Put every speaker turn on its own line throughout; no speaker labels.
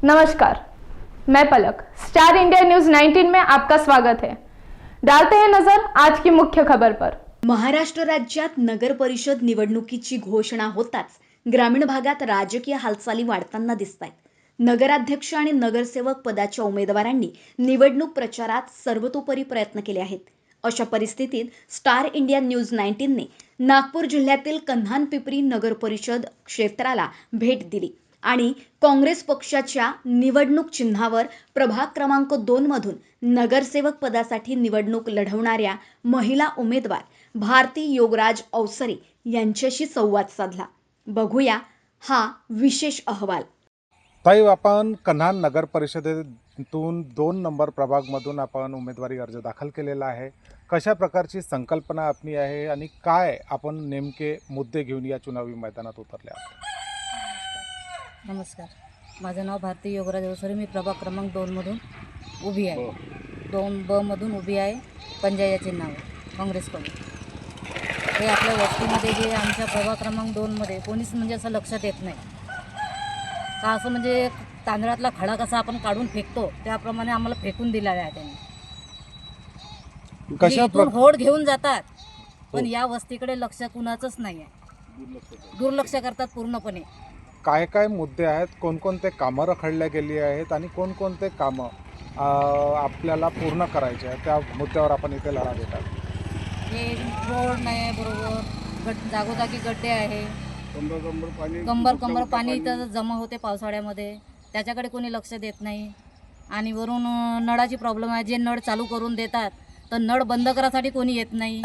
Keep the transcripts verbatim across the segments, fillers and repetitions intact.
नमस्कार, मैं पलक। Star India news उन्नीस में आपका स्वागत है। डालते हैं नजर आज की मुख्य खबर पर।
महाराष्ट्र राज्यात नगर परिषद निवडणुकीची घोषणा होताच ग्रामीण भागात राजकीय हालचाली वाढताना दिसतायत। नगराध्यक्ष आणि नगरसेवक पदाच्या उमेदवारांनी निवडणूक प्रचारात सर्वतोपरी प्रयत्न केले आहेत। अशा परिस्थितीत स्टार इंडिया न्यूज उन्नीस ने नागपूर जिल्ह्यातील कन्हान-पिपरी नगर परिषद क्षेत्राला भेट दिली आणि काँग्रेस पक्षाच्या निवडणूक चिन्हावर प्रभाग क्रमांक दोन मधून नगरसेवक पदासाठी निवडणूक लढवणाऱ्या महिला उमेदवार भारती योगराज अवसरे यांच्याशी संवाद साधला। बघूया हा विशेष अहवाल।
ताई, आपण कन्हान नगर परिषदेतून दोन नंबर प्रभागमधून आपण उमेदवारी अर्ज दाखल केलेला आहे। कशा प्रकारची संकल्पना आपली आहे आणि काय आपण नेमके मुद्दे घेऊन या चुनावी मैदानात उतरले आहात?
नमस्कार, माझं नाव भारती योगराज अवसरे। मी प्रभाग क्रमांक दोन मधून उभी आहे। दोन ब मधून उभी आहे, पंजा या चिन्हावर काँग्रेसकडून। हे आपल्या वस्तीमध्ये जे आमच्या प्रभाग क्रमांक दोन मध्ये कोणीच म्हणजे असं लक्षात येत नाही का, असं म्हणजे तांदळातला खडा कसा आपण काढून फेकतो त्याप्रमाणे आम्हाला फेकून दिलेला आहे त्यांनी।
कशा
इथून होड घेऊन जातात, पण या वस्तीकडे लक्ष कुणाचंच नाही आहे, दुर्लक्ष करतात पूर्णपणे।
काय काय मुद्दे आहेत, कोणकोणते कामं रखडल्या गेली आहेत आणि कोणकोणते कामं आपल्याला पूर्ण करायचे आहेत, त्या मुद्द्यावर आपण इथे लढा देतात।
हे रोड नाही बरोबर, गट जागोजागी गड्डे आहे, कंबर कंबर पाणी इथं जमा होते पावसाळ्यामध्ये, त्याच्याकडे कोणी लक्ष देत नाही। आणि वरून नळाची प्रॉब्लेम आहे, जे नळ चालू करून देतात तर नळ बंद करायसाठी कोणी येत नाही,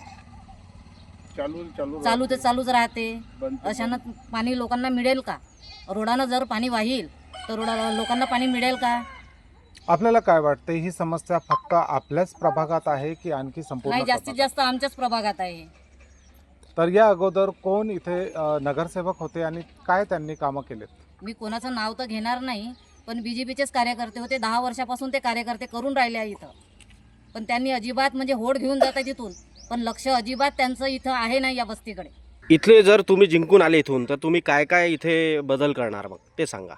चालू ते चालूच राहते। अशानं पाणी लोकांना मिळेल का? रोडानं जर पाणी वाहील तर रोडा लोकांना पाणी मिळेल का?
आपल्याला काय वाटते, ही समस्या फक्त आपल्याच प्रभागात आहे की आणखी संपूर्ण?
नाही, जास्तीत जास्त आमच्याच प्रभागात आहे।
तर या अगोदर कोण इथे नगरसेवक होते आणि काय त्यांनी कामं केलेत?
मी कोणाचं नाव तर घेणार नाही, पण बीजेपीचेच कार्यकर्ते होते। दहा वर्षापासून ते कार्यकर्ते करून राहिले आहे इथं, पण त्यांनी अजिबात म्हणजे होड घेऊन जातात तिथून, पण लक्ष अजिबात त्यांचं इथं आहे नाही या वस्तीकडे।
इथले जर तुम्ही जिंकून आले इथून तर तुम्ही काय काय इथे बदल करणार मग ते सांगा।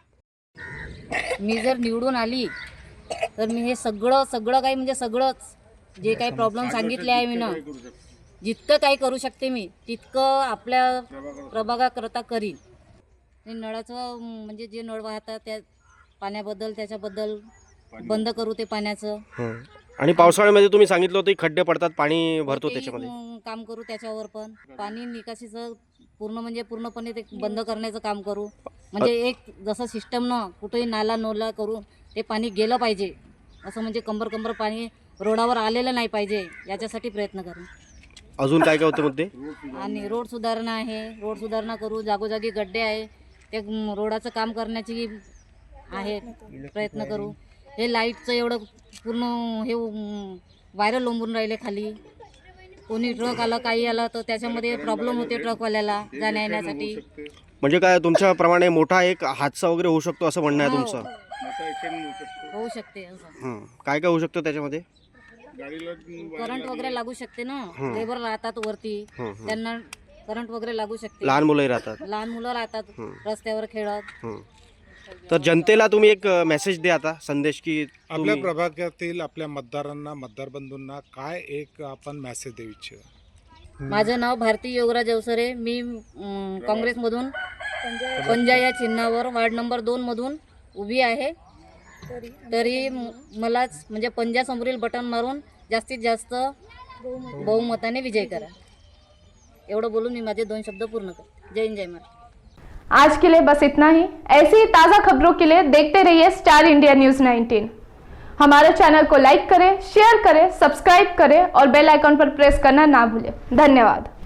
मी जर निवडून आली तर मी हे सगळं सगळं काही म्हणजे सगळंच जे काही प्रॉब्लेम सांगितले आहे मी ना, जितकं काही करू शकते मी तितकं आपल्या प्रभागाकरता करीन। हे नळाचं म्हणजे जे नळ वाहतात त्या पाण्याबद्दल त्याच्याबद्दल बंद करू ते पाण्याचं।
आणि पावसाळ्यामध्ये तुम्ही सांगितलं होतं खड्डे पडतात, पाणी भरतो, त्याच्यामध्ये
काम करू। त्याच्यावर पण पाणी निकासीचं पूर्ण म्हणजे पूर्णपणे ते बंद करण्याचं काम करू। म्हणजे एक जसं सिस्टम न कुठेही नाला नोला करून ते पाणी गेलं पाहिजे, असं म्हणजे कंबर कंबर पाणी रोडावर आलेलं नाही पाहिजे, याच्यासाठी प्रयत्न करू।
अजून काय काय होते मुद्दे?
आणि रोड सुधारणा आहे, रोड सुधारणा करू। जागोजागी गड्डे आहे, ते रोडाचं काम करण्याची आहे प्रयत्न करू। हे लाईटचं एवढं पूर्ण हे वायरल लोंबून राहिले खाली, कोणी ट्रक आला काही आला तर त्याच्यामध्ये प्रॉब्लेम होते ट्रकवाल्याला जाण्या येण्यासाठी।
म्हणजे काय तुमच्याप्रमाणे मोठा एक हादसा वगैरे होऊ शकतो असं म्हणणं आहे तुमचं?
होऊ शकते असं।
काय काय होऊ शकतं त्याच्यामध्ये?
करंट वगैरे लागू शकते ना, लेबर राहतात वरती, त्यांना करंट वगैरे लागू शकते।
लहान मुलंही राहतात,
लहान मुलं राहतात रस्त्यावर खेळत।
तर जनतेला तुम्ही एक मेसेज द्या आता, संदेश, की
आपल्या प्रभागातील आपल्या मतदारांना, मतदार बंधूंना काय एक आपण मेसेज देऊ इच्छिता?
माझं नाव भारती योगराज अवसरे। मी काँग्रेसमधून पंजा या चिन्हावर वार्ड नंबर दोन मधून उभी आहे। तरी मलाच म्हणजे पंजा समोरील बटन मारून जास्तीत जास्त बहुमताने विजय करा, एवढं बोलून मी माझे दोन शब्द पूर्ण करते। जय हिंद, जय महाराष्ट्र।
आज के लिए बस इतना ही। ऐसी ही ताज़ा खबरों के लिए देखते रहिए स्टार इंडिया न्यूज उन्नीस। हमारे चैनल को लाइक करें, शेयर करें, सब्सक्राइब करें और बेल आइकन पर प्रेस करना ना भूलें। धन्यवाद।